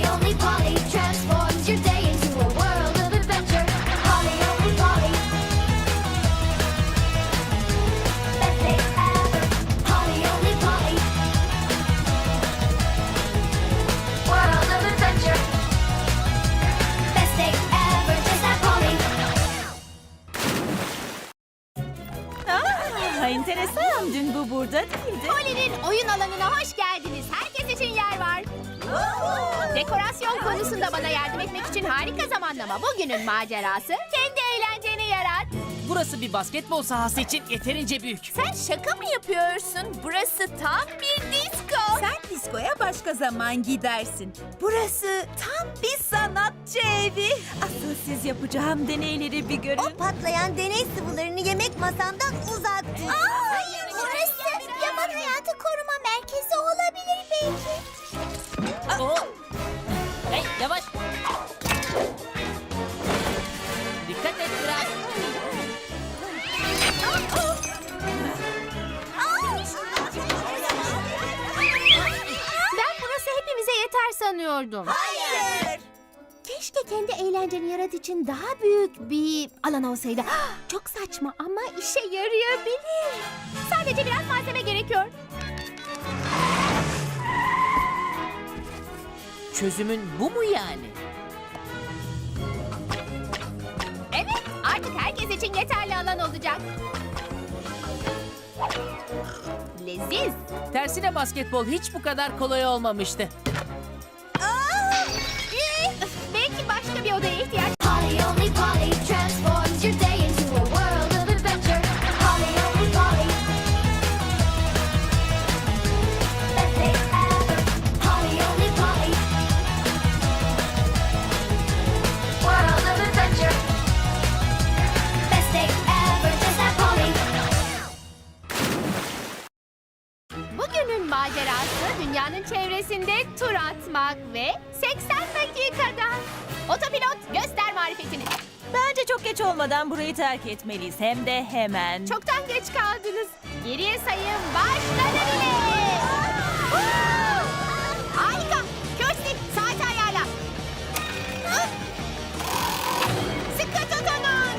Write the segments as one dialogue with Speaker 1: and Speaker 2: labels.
Speaker 1: Polly only Polly transforms your day into a world of adventure. Polly only Polly. Best day ever. Polly only Polly. World of adventure. Best day ever. Just like Polly.
Speaker 2: Enteresan. Dün bu burada değildi.
Speaker 3: Polly'nin oyun alanına hoş geldiniz. Herkes için yer var. Dekorasyon konusunda bana yardım etmek için harika zamanlama. Bugünün macerası kendi eğlenceni yarat.
Speaker 4: Burası bir basketbol sahası için yeterince büyük.
Speaker 3: Sen şaka mı yapıyorsun? Burası tam bir disco.
Speaker 2: Sen diskoya başka zaman gidersin. Burası tam bir sanatçı evi. Asıl siz yapacağım deneyleri bir görün.
Speaker 5: O patlayan deney sıvılarını yemek masamdan uzak tut.
Speaker 3: Hayır, burası yaman hayatı koruma merkezi olabilir belki.
Speaker 4: Oo. Hey yavaş. Dikkat et biraz.
Speaker 3: Ben burası hepimize yeter sanıyordum.
Speaker 5: Hayır.
Speaker 3: Keşke kendi eğlenceni yarat için daha büyük bir alan olsaydı. Çok saçma ama işe yarayabilir. Sadece biraz malzeme gerekiyor.
Speaker 4: Çözümün bu mu yani?
Speaker 3: Evet, artık herkes için yeterli alan olacak. Leziz.
Speaker 4: Tersine basketbol hiç bu kadar kolay olmamıştı.
Speaker 3: Belki başka bir odaya ihtiyaç.
Speaker 1: Polly only Polly transforms your day into a world of adventure. Polly only Polly. Best day ever. Polly only Polly. World of adventure. Best day ever. Just like Polly.
Speaker 3: Bugünün macerası dünyanın çevresinde tur atmak ve 80 dakikada. Otopilot göster marifetini.
Speaker 2: Bence çok geç olmadan burayı terk etmeliyiz. Hem de hemen.
Speaker 3: Çoktan geç kaldınız. Geriye sayım başladı bile. Harika. Kirsty saati ayarla. Sıkı tutunun.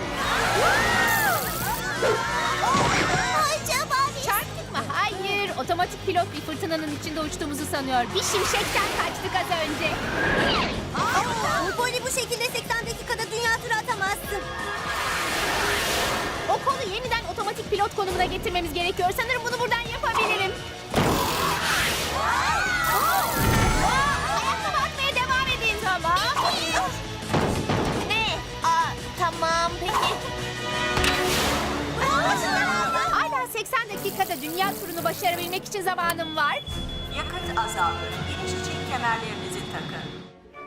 Speaker 5: Acaba biz...
Speaker 3: Çarptık mı? Hayır. Otomatik pilot bir fırtınanın içinde uçtuğumuzu sanıyor. Bir şimşekten kaçtık az önce.
Speaker 5: Polly bu şekilde 80 dakikada dünya turu atamazsın.
Speaker 3: O kolu yeniden otomatik pilot konumuna getirmemiz gerekiyor. Sanırım bunu buradan yapabilirim. Ayakkabı atmaya devam edin. Tamam.
Speaker 5: Ne? Tamam peki.
Speaker 3: Hala 80 dakikada dünya turunu başarabilmek için zamanım var.
Speaker 2: Yakıt azaldı. İniş için kemerlerinizi takın.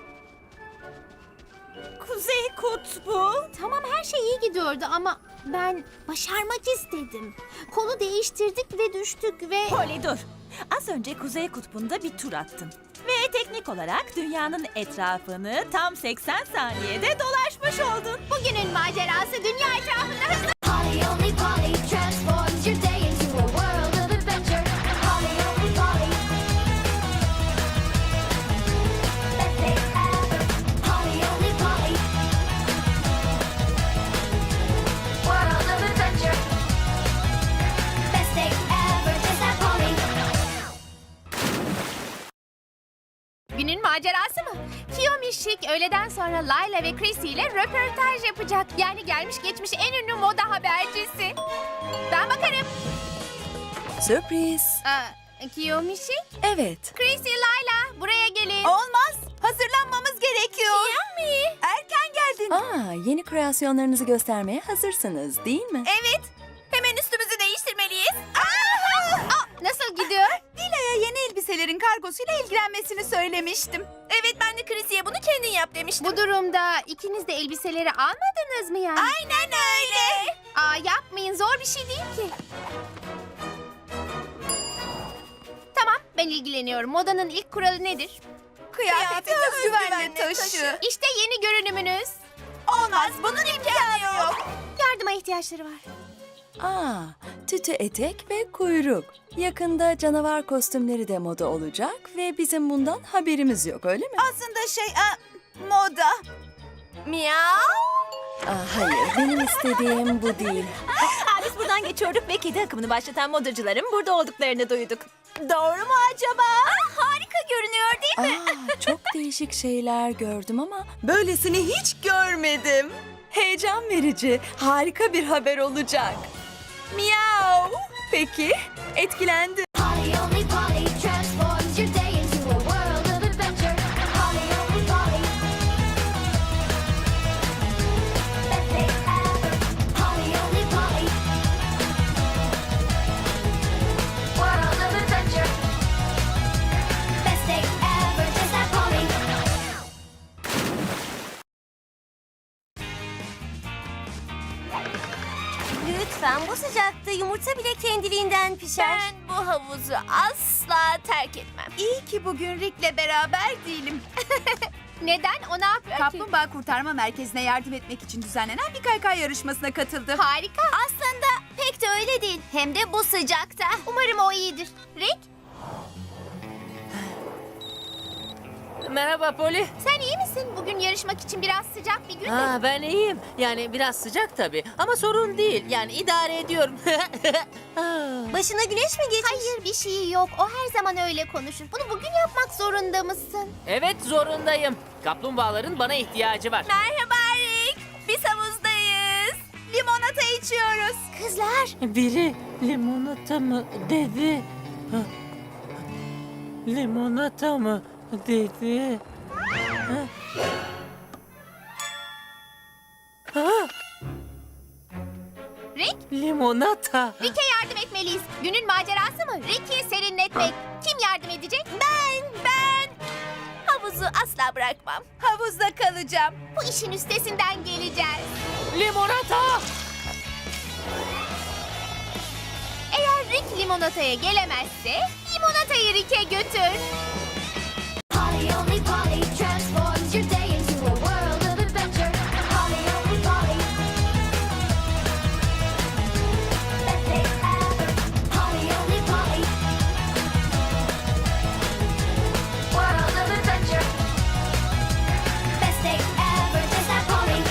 Speaker 2: Kuzey Kutbu.
Speaker 3: Tamam her şey iyi gidiyordu ama ben başarmak istedim. Kolu değiştirdik ve düştük ve...
Speaker 2: Polly dur. Az önce Kuzey Kutbu'nda bir tur attın. Ve teknik olarak dünyanın etrafını tam 80 saniyede dolaşmış oldun.
Speaker 3: Bugünün macerası dünya etrafında hızlı...
Speaker 1: Polly only Polly transforms your day into a world of adventure. Polly only Polly. Best day ever. Polly only Polly. World of adventure. Best day ever. Just like Polly.
Speaker 3: Günün macerası mı? Kiyomi Chic öğleden sonra Layla ve Chrissy ile röportaj yapacak. Yani gelmiş geçmiş en ünlü moda habercisi. Ben bakarım.
Speaker 6: Sürpriz.
Speaker 3: Kiyomi Chic,
Speaker 6: Evet.
Speaker 3: Chrissy, Layla buraya gelin.
Speaker 2: Olmaz. Hazırlanmamız gerekiyor.
Speaker 3: Kiyomi.
Speaker 2: Erken geldin.
Speaker 6: Yeni kreasyonlarınızı göstermeye hazırsınız değil mi?
Speaker 2: Evet. Hemen üstümüzü değiştirmeliyiz.
Speaker 3: Nasıl gidiyor?
Speaker 2: Dila'ya yeni elbiselerin kargosuyla ilgilenmesini söylemiştim. Evet, ben de Chrissy'ye bunu kendin yap demiştim.
Speaker 3: Bu durumda ikiniz de elbiseleri almadınız mı yani?
Speaker 2: Aynen öyle.
Speaker 3: Yapmayın, zor bir şey değil ki. Tamam, ben ilgileniyorum. Modanın ilk kuralı nedir?
Speaker 2: Kıyafeti özgüvenle taşı.
Speaker 3: İşte yeni görünümünüz.
Speaker 2: Olmaz, bunun imkanı yok.
Speaker 3: Yardıma ihtiyaçları var.
Speaker 6: Tütü etek ve kuyruk. Yakında canavar kostümleri de moda olacak ve bizim bundan haberimiz yok, öyle mi?
Speaker 2: Aslında moda.
Speaker 5: Miau.
Speaker 6: Hayır, benim istediğim bu değil.
Speaker 2: Biz buradan geçiyorduk ve kedi akımını başlatan modacıların burada olduklarını duyduk. Doğru mu acaba?
Speaker 5: Harika görünüyor değil mi?
Speaker 6: Çok değişik şeyler gördüm ama böylesini hiç görmedim. Heyecan verici, harika bir haber olacak. Miau. Peki, etkilendim.
Speaker 1: Polly only Polly transforms your day into a world of adventure. Polly only Polly. Best day ever. Polly only Polly. World of adventure. Best day ever. Just that Polly.
Speaker 5: Lütfen, bu sıcakta yumurta bile kendiliğinden pişer.
Speaker 3: Ben bu havuzu asla terk etmem.
Speaker 7: İyi ki bugün Rick'le beraber değilim.
Speaker 3: Neden? O ne yapıyor ki?
Speaker 7: Kaplumbağa Kurtarma Merkezi'ne yardım etmek için düzenlenen bir kaykay yarışmasına katıldı.
Speaker 3: Harika.
Speaker 5: Aslında pek de öyle değil. Hem de bu sıcakta.
Speaker 3: Umarım o iyidir. Rick,
Speaker 4: Merhaba Polly.
Speaker 3: sen iyi misin? Bugün yarışmak için biraz sıcak bir gün de.
Speaker 4: Ben iyiyim. Yani biraz sıcak tabii ama sorun değil. Yani idare ediyorum.
Speaker 5: Başına güneş mi geçmiş?
Speaker 3: Hayır, bir şey yok. O her zaman öyle konuşur. Bunu bugün yapmak zorunda mısın?
Speaker 4: Evet, zorundayım. Kaplumbağaların bana ihtiyacı var.
Speaker 7: Merhaba Rick. Biz havuzdayız. Limonata içiyoruz.
Speaker 5: Kızlar,
Speaker 4: Biri limonata mı dedi? Limonata mı dedi?
Speaker 3: Rick,
Speaker 4: Limonata.
Speaker 3: Rick'e yardım etmeliyiz. Günün macerası mı? Rick'i serinletmek. Kim yardım edecek? Ben.
Speaker 5: havuzu asla bırakmam.
Speaker 7: Havuzda kalacağım.
Speaker 3: Bu işin üstesinden geleceğiz.
Speaker 4: Limonata.
Speaker 3: Eğer Rick limonataya gelemezse limonatayı Rick'e götür.
Speaker 1: Polly only Polly transforms your day into a world of adventure. Polly only Polly. Best day ever. Polly only Polly. World of adventure. Best day ever. Just that Polly.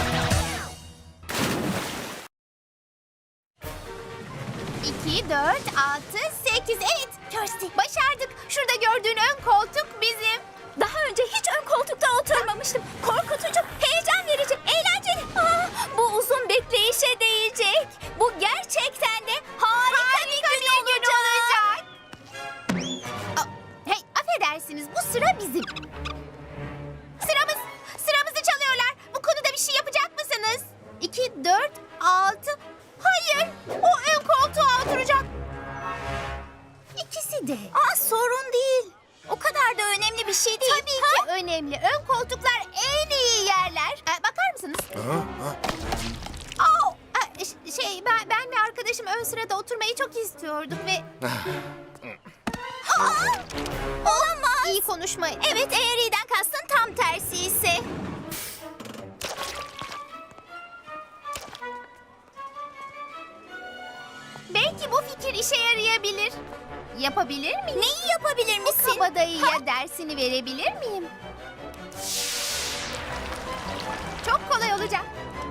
Speaker 3: 2, 4, 6, 8, evet. Kirsty, başardık. Şurada gördüğün ön koltuk bizim.
Speaker 5: Daha önce hiç ön koltukta oturmamıştım. Korkutucu, heyecan verici, eğlenceli. Bu uzun bekleyişe değecek. Bu gerçekten de harika bir gün olacak.
Speaker 3: Hey, affedersiniz, bu sıra bizim. Sıramızı çalıyorlar. Bu konuda bir şey yapacak mısınız? 2, 4, 6. Hayır, o ön koltuğa oturacak. İkisi de.
Speaker 5: Sorun değil. O kadar da önemli bir şey değil.
Speaker 3: Tabii ki önemli. Ön koltuklar en iyi yerler. Bakar mısınız? Ben ve arkadaşım ön sırada oturmayı çok istiyorduk ve...
Speaker 5: Olamaz.
Speaker 3: İyi konuşmayın.
Speaker 5: Evet, eğer iyiden kastın tam tersi ise.
Speaker 3: Belki bu fikir işe yarayabilir. Yapabilir miyim?
Speaker 5: Neyi yapabilir misin?
Speaker 3: Kabadayıya dersini verebilir miyim? Çok kolay olacak.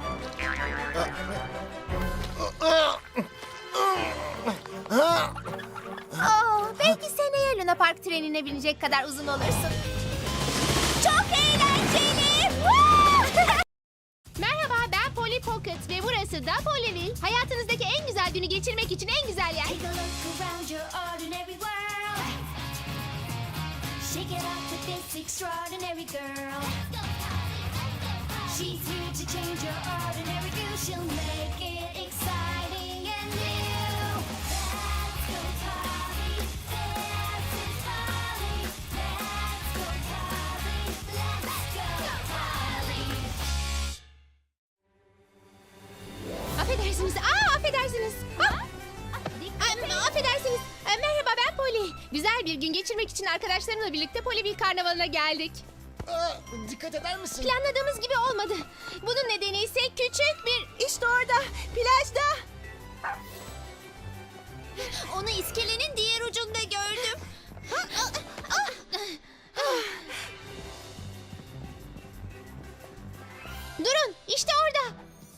Speaker 3: Belki seneye Luna Park trenine binecek kadar uzun olursun.
Speaker 5: Çok eğlenceli.
Speaker 3: Merhaba, ben Polly Pocket ve burası da Pollyville. Hayatınızdaki en güzel günü geçirmek için en güzel yer.
Speaker 1: Take a look around your ordinary world. Shake it up with this extraordinary girl. She's here to change your ordinary view. She'll make it exciting and new. Let's go, Polly. This is Polly. Let's go, Polly. Let's go, Polly.
Speaker 3: Affedersiniz. Affedersiniz. Affedersiniz. Merhaba, ben Polly. Güzel bir gün geçirmek için arkadaşlarımla birlikte Pollyville Karnavalı'na geldik.
Speaker 8: Dikkat eder misin?
Speaker 3: Planladığımız gibi olmadı. Bunun nedeni ise küçük bir... İşte orada, plajda.
Speaker 5: Onu iskelenin diğer ucunda gördüm.
Speaker 3: Durun, işte orada.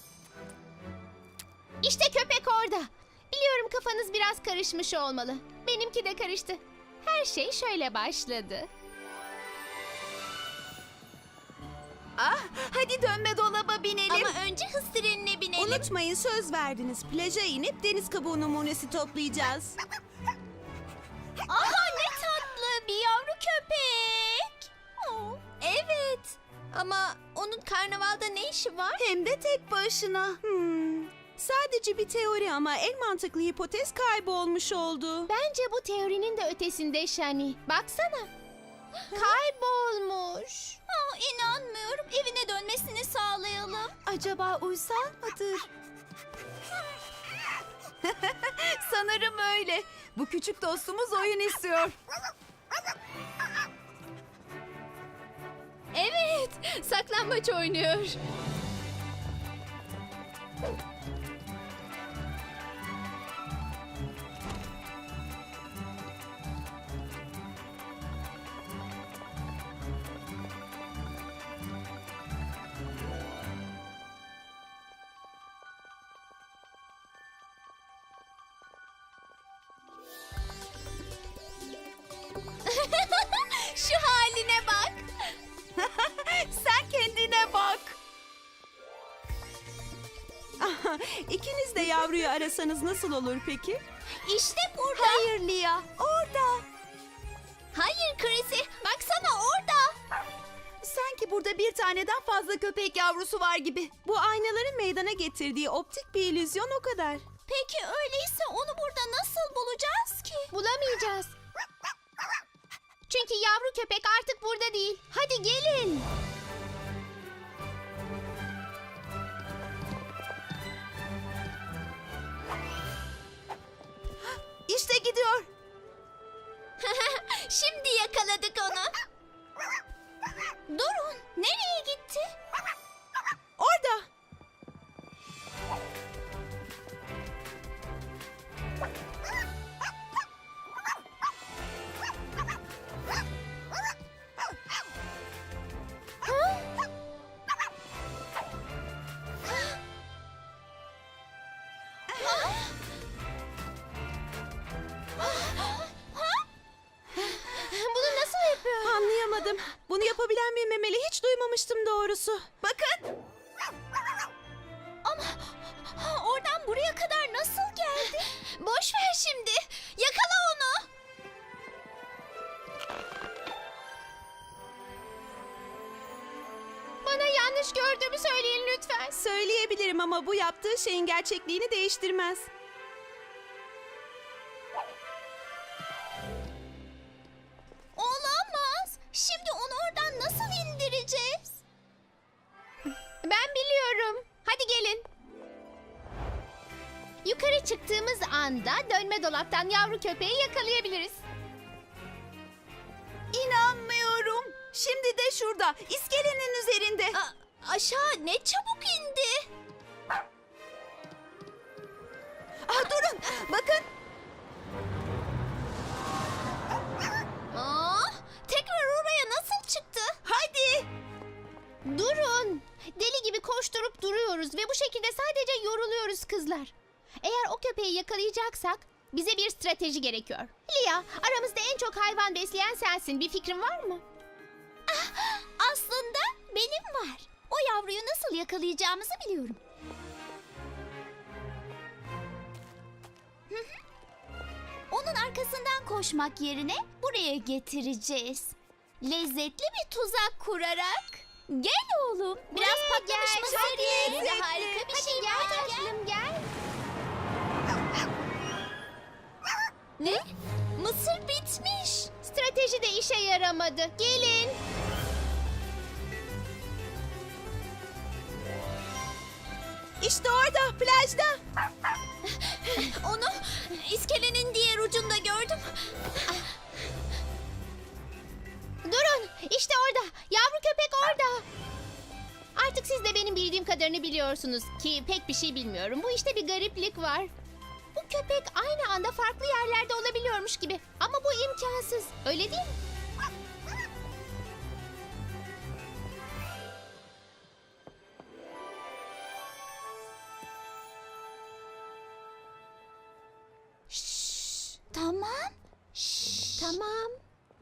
Speaker 3: İşte köpek orada. Biliyorum kafanız biraz karışmış olmalı. Benimki de karıştı. Her şey şöyle başladı.
Speaker 7: Hadi dönme dolaba binelim.
Speaker 5: Ama önce hız trenine binelim.
Speaker 9: Unutmayın, söz verdiniz. Plaja inip deniz kabuğu numunesi toplayacağız.
Speaker 5: Aha, ne tatlı bir yavru köpek. Evet. Ama onun karnavalda ne işi var?
Speaker 9: Hem de tek başına. Sadece bir teori ama en mantıklı hipotez kaybolmuş oldu.
Speaker 3: Bence bu teorinin de ötesinde Shani. Baksana. Kaybolmuş.
Speaker 5: İnanmıyorum. Evine dönmesini sağlayalım.
Speaker 7: Acaba uysal mıdır? Sanırım öyle. Bu küçük dostumuz oyun istiyor.
Speaker 3: Evet, saklambaç oynuyor.
Speaker 5: Şu haline bak.
Speaker 7: Sen kendine bak.
Speaker 9: İkiniz de yavruyu arasanız nasıl olur peki?
Speaker 5: İşte burada.
Speaker 7: Hayır Lia, orada.
Speaker 5: Hayır Chrissy. Baksana orada.
Speaker 7: Sanki burada bir taneden fazla köpek yavrusu var gibi.
Speaker 9: Bu aynaların meydana getirdiği optik bir illüzyon, o kadar.
Speaker 5: Peki öyleyse onu burada nasıl bulacağız ki?
Speaker 3: Bulamayacağız. Çünkü yavru köpek artık burada değil. Hadi gelin.
Speaker 7: İşte gidiyor.
Speaker 5: Şimdi yakaladık onu. Durun. Nereye gitti?
Speaker 9: Orada.
Speaker 3: Bunu nasıl yapıyor?
Speaker 9: Anlayamadım. Bunu yapabilen bir memeli hiç duymamıştım doğrusu.
Speaker 7: Bakın.
Speaker 5: Ama oradan buraya kadar nasıl geldi? Boş ver şimdi. Yakala onu.
Speaker 3: Bana yanlış gördüğümü söyleyin lütfen.
Speaker 9: Söyleyebilirim ama bu yaptığı şeyin gerçekliğini değiştirmez.
Speaker 5: Olamaz. Şimdi onu oradan nasıl indireceğiz?
Speaker 3: Ben biliyorum. Hadi gelin. Yukarı çıktığımız anda dönme dolaptan yavru köpeği yakalayabiliriz.
Speaker 7: İnanmıyorum. Şimdi de şurada. İskelenin üzerinde.
Speaker 5: Aşağı ne çabuk indi.
Speaker 7: Durun. Bakın.
Speaker 5: Tekrar oraya nasıl çıktı?
Speaker 7: Hadi.
Speaker 3: Durun. Deli gibi koşturup duruyoruz ve bu şekilde sadece yoruluyoruz kızlar. Eğer o köpeği yakalayacaksak bize bir strateji gerekiyor. Lia, aramızda en çok hayvan besleyen sensin. Bir fikrin var mı?
Speaker 5: Aslında benim var. O yavruyu nasıl yakalayacağımızı biliyorum. Onun arkasından koşmak yerine buraya getireceğiz. Lezzetli bir tuzak kurarak. Gel oğlum. Biraz patlamış
Speaker 3: gel,
Speaker 5: mısır
Speaker 3: çok
Speaker 5: ye.
Speaker 3: lezzetli.
Speaker 5: Harika bir
Speaker 3: Hadi
Speaker 5: şey
Speaker 3: gel
Speaker 5: var.
Speaker 3: tatlım gel.
Speaker 5: Ne? Mısır bitmiş.
Speaker 3: Strateji de işe yaramadı. Gelin.
Speaker 9: İşte orada, plajda.
Speaker 5: Onu iskelenin diğer ucunda gördüm.
Speaker 3: Durun. İşte orada. Yavru köpek orada. Artık siz de benim bildiğim kadarını biliyorsunuz ki pek bir şey bilmiyorum. Bu işte bir gariplik var.
Speaker 5: Bu
Speaker 3: köpek aynı anda farklı yerlerde olabiliyormuş gibi. Ama bu imkansız. Öyle değil mi?
Speaker 5: Tamam.
Speaker 3: Tamam.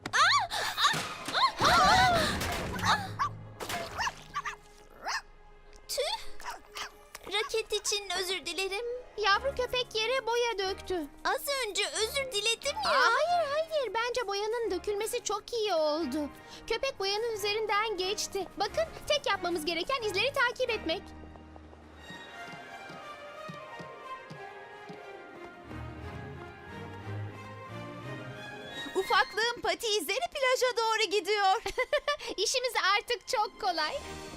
Speaker 5: Tüh. Raket için özür dilerim.
Speaker 3: Yavru köpek yere boya döktü.
Speaker 5: Az önce özür diledim ya.
Speaker 3: Hayır. Bence boyanın dökülmesi çok iyi oldu. Köpek boyanın üzerinden geçti. Bakın, tek yapmamız gereken izleri takip etmek.
Speaker 7: Ufaklığın pati izleri plaja doğru gidiyor.
Speaker 3: İşimiz artık çok kolay.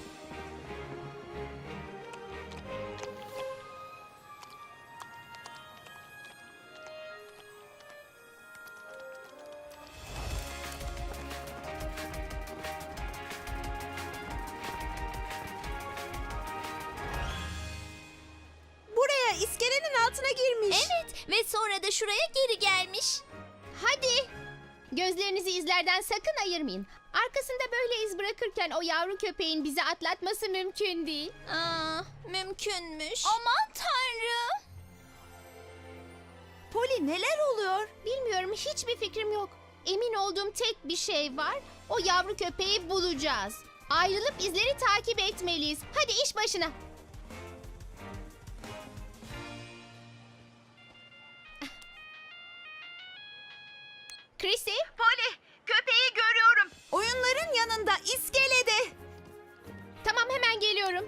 Speaker 9: Buraya iskelenin altına girmiş.
Speaker 5: Evet ve sonra da şuraya geri gelmiş.
Speaker 3: Hadi. Gözlerinizi izlerden sakın ayırmayın. Arkasında böyle iz bırakırken o yavru köpeğin bizi atlatması mümkün değil.
Speaker 5: Mümkünmüş. Aman tanrım.
Speaker 7: Poli neler oluyor?
Speaker 3: Bilmiyorum, hiçbir fikrim yok. Emin olduğum tek bir şey var. O yavru köpeği bulacağız. Ayrılıp izleri takip etmeliyiz. Hadi iş başına. Chrissy,
Speaker 7: Poli, köpeği görüyorum. Oyunların yanında iskelede.
Speaker 3: tamam hemen geliyorum.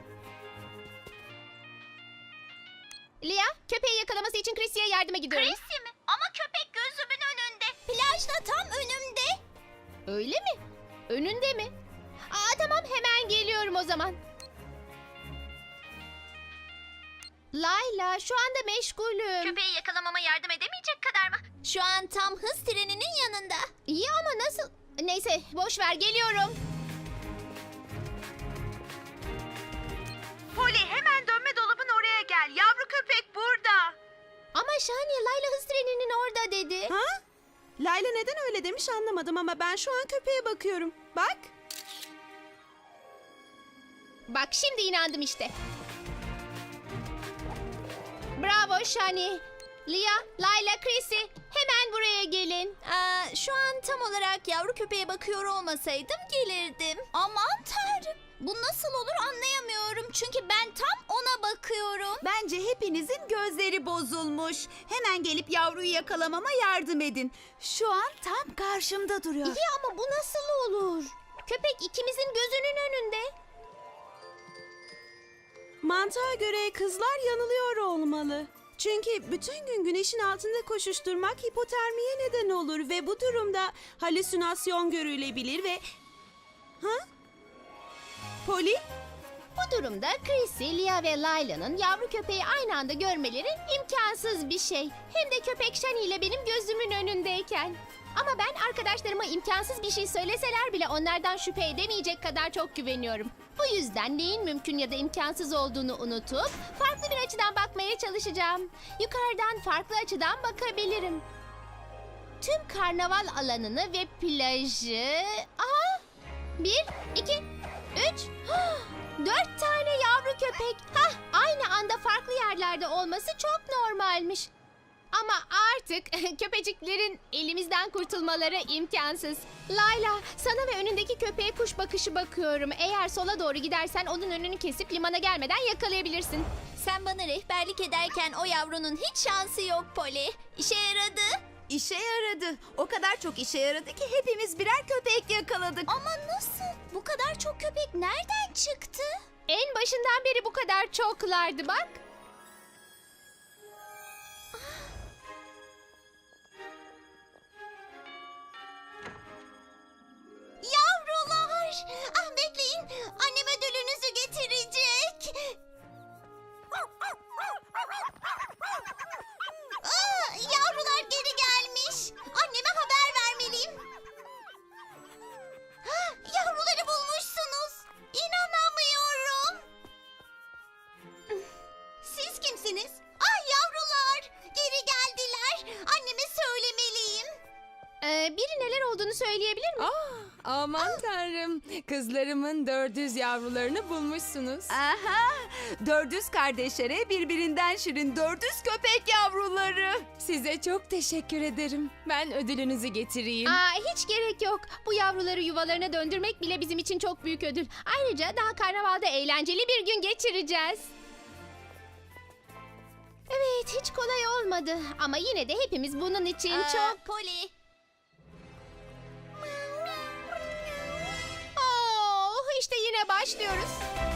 Speaker 3: Lia, köpeği yakalaması için Chrissy'ye yardıma gidiyorum.
Speaker 5: Chrissy mi? Ama köpek gözümün önünde. Plajda tam önümde.
Speaker 3: Öyle mi? Önünde mi? Tamam hemen geliyorum o zaman. Layla, şu anda meşgulüm.
Speaker 5: Köpeği yakalamama yardım edemeyecek kadar mı? Şu an tam hız treninin yanında.
Speaker 3: İyi ama nasıl? Neyse, boş ver, geliyorum.
Speaker 7: Poli hemen dönme dolabın oraya gel. Yavru köpek burada.
Speaker 3: Ama Şahane, Layla hız treninin orada dedi.
Speaker 9: Ha? Layla neden öyle demiş anlamadım ama ben şu an köpeğe bakıyorum. Bak.
Speaker 3: Bak şimdi inandım işte. Bravo Şahane. Lia, Layla, Chrissy, hemen buraya gelin.
Speaker 5: Şu an tam olarak yavru köpeğe bakıyor olmasaydım gelirdim. Aman tanrım. Bu nasıl olur anlayamıyorum. Çünkü ben tam ona bakıyorum.
Speaker 7: Bence hepinizin gözleri bozulmuş. Hemen gelip yavruyu yakalamama yardım edin. Şu an tam karşımda duruyor.
Speaker 3: İyi ama bu nasıl olur? Köpek ikimizin gözünün önünde.
Speaker 9: Mantığa göre kızlar yanılıyor olmalı. Çünkü bütün gün güneşin altında koşuşturmak hipotermiye neden olur ve bu durumda halüsinasyon görülebilir ve... Ha? Poli?
Speaker 3: Bu durumda Chrissy, Lia ve Layla'nın yavru köpeği aynı anda görmeleri imkansız bir şey. Hem de köpek Shani ile benim gözümün önündeyken. Ama ben arkadaşlarıma imkansız bir şey söyleseler bile onlardan şüphe edemeyecek kadar çok güveniyorum. Bu yüzden neyin mümkün ya da imkansız olduğunu unutup farklı bir açıdan bakmaya çalışacağım. Yukarıdan farklı açıdan bakabilirim. Tüm karnaval alanını ve plajı... Aha! 1, 2, 3... 4 tane yavru köpek. Aynı anda farklı yerlerde olması çok normalmiş. Ama artık köpeciklerin elimizden kurtulmaları imkansız. Layla, sana ve önündeki köpeğe kuş bakışı bakıyorum. Eğer sola doğru gidersen onun önünü kesip limana gelmeden yakalayabilirsin.
Speaker 5: Sen bana rehberlik ederken o yavrunun hiç şansı yok Poli. İşe yaradı.
Speaker 7: İşe yaradı. O kadar çok işe yaradı ki hepimiz birer köpek yakaladık.
Speaker 5: Ama nasıl? Bu kadar çok köpek nereden çıktı?
Speaker 3: En başından beri bu kadar çoklardı bak.
Speaker 5: Yavrular! Bekleyin. Annem ödülünüzü getirecek. Yavrular geri gelmiş. Anneme haber vermeliyim. Yavruları bulmuşsunuz. İnanamıyorum.
Speaker 3: söyleyebilir mi?
Speaker 10: Aman tanrım. Kızlarımın 400 yavrularını bulmuşsunuz.
Speaker 7: Aha! 400 kardeşlere birbirinden şirin 400 köpek yavruları.
Speaker 10: Size çok teşekkür ederim. Ben ödülünüzü getireyim.
Speaker 3: Hiç gerek yok. Bu yavruları yuvalarına döndürmek bile bizim için çok büyük ödül. Ayrıca daha karnavalda eğlenceli bir gün geçireceğiz. Evet, hiç kolay olmadı. Ama yine de hepimiz bunun için çok...
Speaker 5: Poli.
Speaker 3: İşte yine başlıyoruz.